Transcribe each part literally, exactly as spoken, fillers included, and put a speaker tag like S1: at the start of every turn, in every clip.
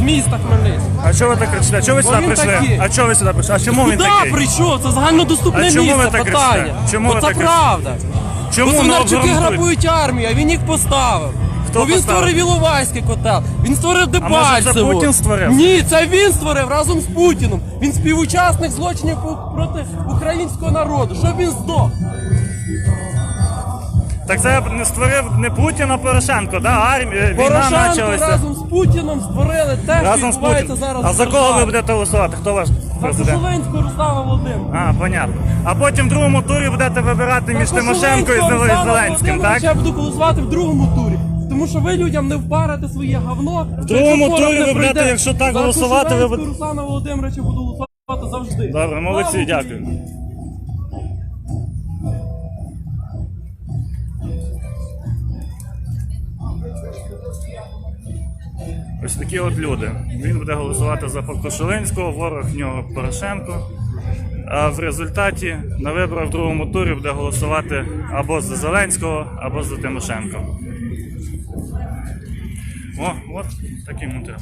S1: міста Хмельницького.
S2: А чого ви так кричите? А чого ви
S1: Бо
S2: сюди
S1: він
S2: прийшли?
S1: такий.
S2: А чого ви сюди прийшли? А чому він
S1: Куди
S2: такий?
S1: прийшов? Це загальнодоступне
S2: А чому ви
S1: місце,
S2: так
S1: питання.
S2: кричите? Чому
S1: Бо
S2: ви
S1: це
S2: так кричите?
S1: правда.
S2: Чому
S1: Бо
S2: не
S1: Свинарчуки
S2: обґрунтуєте?
S1: грабують армію, а він їх поставив.
S2: Хто
S1: Бо він
S2: поставив?
S1: створив Іловайський котел, він створив
S2: може, це
S1: Дебальцеву.
S2: Путін створив?
S1: Ні, це він створив разом з Путіним. Він співучасник злочинів проти українського народу. Щоб він здох.
S2: Так це не створив не Путін, а Порошенко, да? Армія, війна
S1: Порошенко
S2: почалася.
S1: разом з Путіним створили те, що
S2: Разом з
S1: відбувається
S2: Путіним.
S1: зараз.
S2: А
S1: в
S2: за кого ви
S1: державі.
S2: будете голосувати? Хто ваш
S1: За
S2: президент?
S1: Кошулинського Руслана Володимира.
S2: А, понятно. А потім в другому турі будете вибирати між
S1: За
S2: Тимошенко і
S1: Кошулинського Руслана
S2: Зеленським,
S1: Володимировича
S2: так?
S1: Я буду голосувати в другому турі. Тому що ви людям не впарите своє говно. В
S2: другому турі ви будете, якщо так голосувати, ви будете-
S1: За Руслана Володимировича буду голосувати завжди.
S2: Добре, молодці,
S1: Слава
S2: дякую.
S1: Україні!
S2: Ось такі от люди. Він буде голосувати за Кошулинського, ворог в нього Порошенко. А в результаті на виборах в другому турі буде голосувати або за Зеленського, або за Тимошенко. О, от такий монтаж.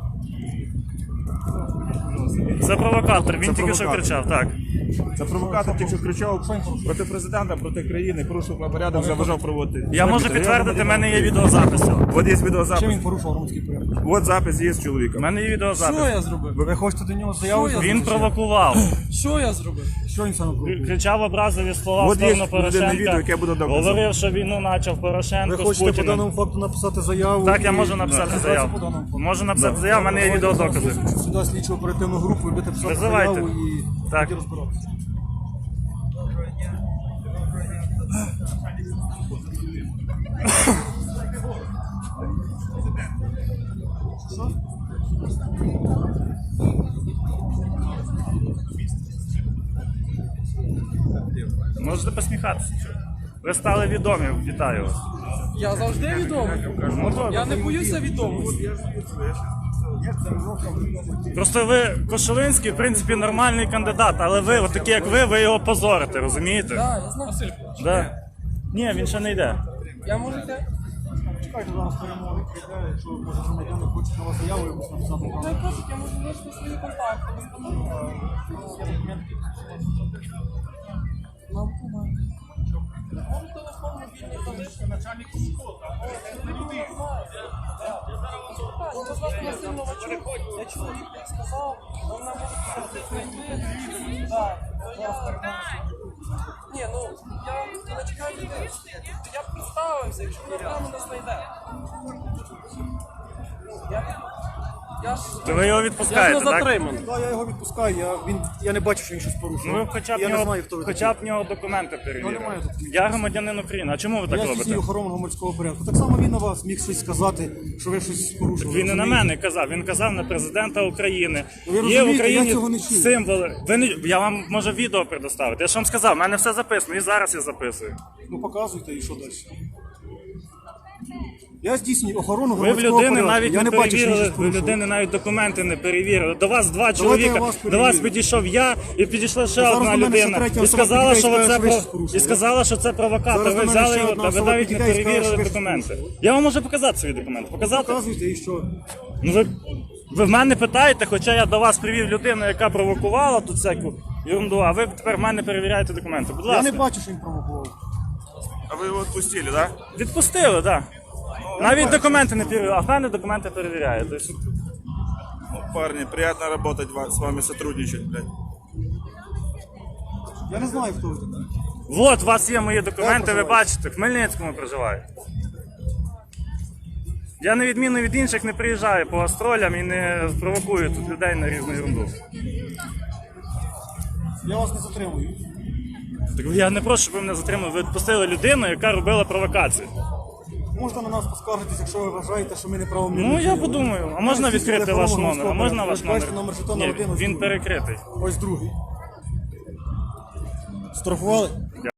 S2: Це провокатор, він
S3: Це
S2: тільки що
S3: провокатор.
S2: кричав, так.
S3: Це провокатор, тільки що кричав проти президента, проти країни, порушив порядок, заважав проводити.
S2: Я можу підтвердити, в мене є відеозаписи.
S3: От є відеозапис.
S4: Чим він порушував громадський порядок?
S3: От запис є з
S2: У
S3: чоловіка.
S2: мене є
S1: Що
S2: відеозапис.
S1: я зробив?
S4: Ви хочете до нього заяву?
S1: Що я
S2: Він провокував.
S1: Що я зробив?
S4: Що він саме провокує?
S2: Кричав образливі слова в
S3: От є
S2: сторону
S3: людина
S2: Порошенка.
S3: відео, яке буде доказом.
S2: Говорив, що війну почав
S4: Ви
S2: Порошенко з
S4: хочете по
S2: Путіним.
S4: даному факту написати заяву?
S2: Так, я
S4: і-
S2: можу написати
S4: Да.
S2: заяву.
S4: По даному факту.
S2: Можу написати заяву, в мене є відеодокази.
S4: Сюди слідчу оперативну групу, ви будете писати
S2: Визивайте.
S4: заяву і
S2: Так.
S4: тоді розбиратися.
S2: Можете посміхатися. Ви стали відомі, вітаю вас.
S1: Я завжди відомий.
S2: Ну, добре.
S1: Я не боюся відомості.
S2: Просто ви, Кошулинський, в принципі, нормальний кандидат, але ви, от такі як ви, ви його позорите, розумієте?
S1: Так, я знаю. Василь,
S2: Да. Ні, він ще не йде.
S1: я можу йти?
S4: Чекайте, зараз перемоги прийде, якщо може громадяни хочуть на вас заяву, якусь написати.
S1: Ну, я кажу, я можу залишити свої контакти. Нам команда. Вам телефон мобільний залишити. Начальник школи. Так, ну, вас Василь Новачук. Я чоловік, як сказав, він нам може знайти. Так, так. Ні, ну, я не чекаю людей. Я б представився, якщо програма не знайде. Я, я ж...
S2: То ви його
S1: Я ж
S2: відпускаєте,
S1: не
S2: так?
S1: затриманий.
S4: Так, я його відпускаю, я, він, я не бачу, що він щось порушив.
S2: Ну ви хоча б,
S4: я не
S2: нього,
S4: знаю, хто ви
S2: хоча б
S4: такі.
S2: в нього документи
S4: Я
S2: перевірили.
S4: не маю документів.
S2: Я громадянин України. А чому ви так
S4: Я
S2: робите?
S4: здійснюю охорону громадського порядку. Так само він на вас міг щось сказати, що ви щось порушили.
S2: Він не на
S4: розумієте?
S2: мене казав, він казав на президента України.
S4: Ви
S2: Є в
S4: розумієте,
S2: Україні
S4: я цього не чув.
S2: символи. Ви не... Я вам можу відео предоставити. Я ж вам сказав, в мене все записано, і зараз я записую.
S4: Ну показуйте і що далі. Я здійснюю охорону
S2: Ви в
S4: громадського
S2: людини
S4: порядку.
S2: навіть
S4: я
S2: не
S4: не бачу, що він
S2: перевірили,
S4: щось
S2: ви в
S4: порушив.
S2: людини навіть документи не перевірили. До вас два
S4: я
S2: чоловіка,
S4: вас
S2: до вас
S4: перевірю.
S2: підійшов я і підійшла ще
S4: Зараз
S2: одна
S4: до мене ще
S2: людина.
S4: третя
S2: І
S4: особа
S2: сказала,
S4: підійде і
S2: що
S4: скаже,
S2: це
S4: що ви
S2: про...
S4: щось порушили.
S2: і сказала, що це провокатор.
S4: Зараз
S2: Ви
S4: до мене
S2: взяли
S4: ще
S2: його,
S4: одна
S2: та ви
S4: особа
S2: навіть не
S4: підійде і скаже,
S2: перевірили
S4: що ви щось
S2: документи.
S4: порушили.
S2: Я вам можу показати свої документи. Показати?
S4: Показуйте і що.
S2: Ну ви, ви в мене питаєте, хоча я до вас привів людину, яка провокувала тут всяку ерунду, а ви тепер в мене перевіряєте документи. Будь
S4: Я
S2: ласка.
S4: не бачу, що він провокував.
S3: А ви його відпустили, так?
S2: Відпустили, так. Навіть документи не перевіряють, а в мене документи перевіряють. Тобто,
S3: Парни, приятно работать ва- с вами, сотрудничать, блядь.
S4: Я не знаю, хто ви такий.
S2: от, у вас є мої документи, ви
S4: проживаєте?
S2: бачите, в Хмельницькому проживаю. Я на відміну від інших не приїжджаю по гастролям і не провокую тут людей на різну ерунду.
S4: Я вас не затримую.
S2: Так я не прошу, щоб ви мене затримали. Ви відпустили людину, яка робила провокацію.
S4: Можете на нас поскаржитись, якщо ви вважаєте, що ми неправомірно.
S2: Ну я
S4: діяли.
S2: подумаю, а
S4: Ми
S2: можна
S4: здійснювали
S2: відкрити ваш
S4: охорону
S2: номер? А
S4: громадського
S2: можна
S4: порядку.
S2: ваш
S4: Ви
S2: номер?
S4: бачите, номер жетона
S2: Ні,
S4: один, ось
S2: він
S4: другий.
S2: перекритий.
S4: Ось другий. Штрафували?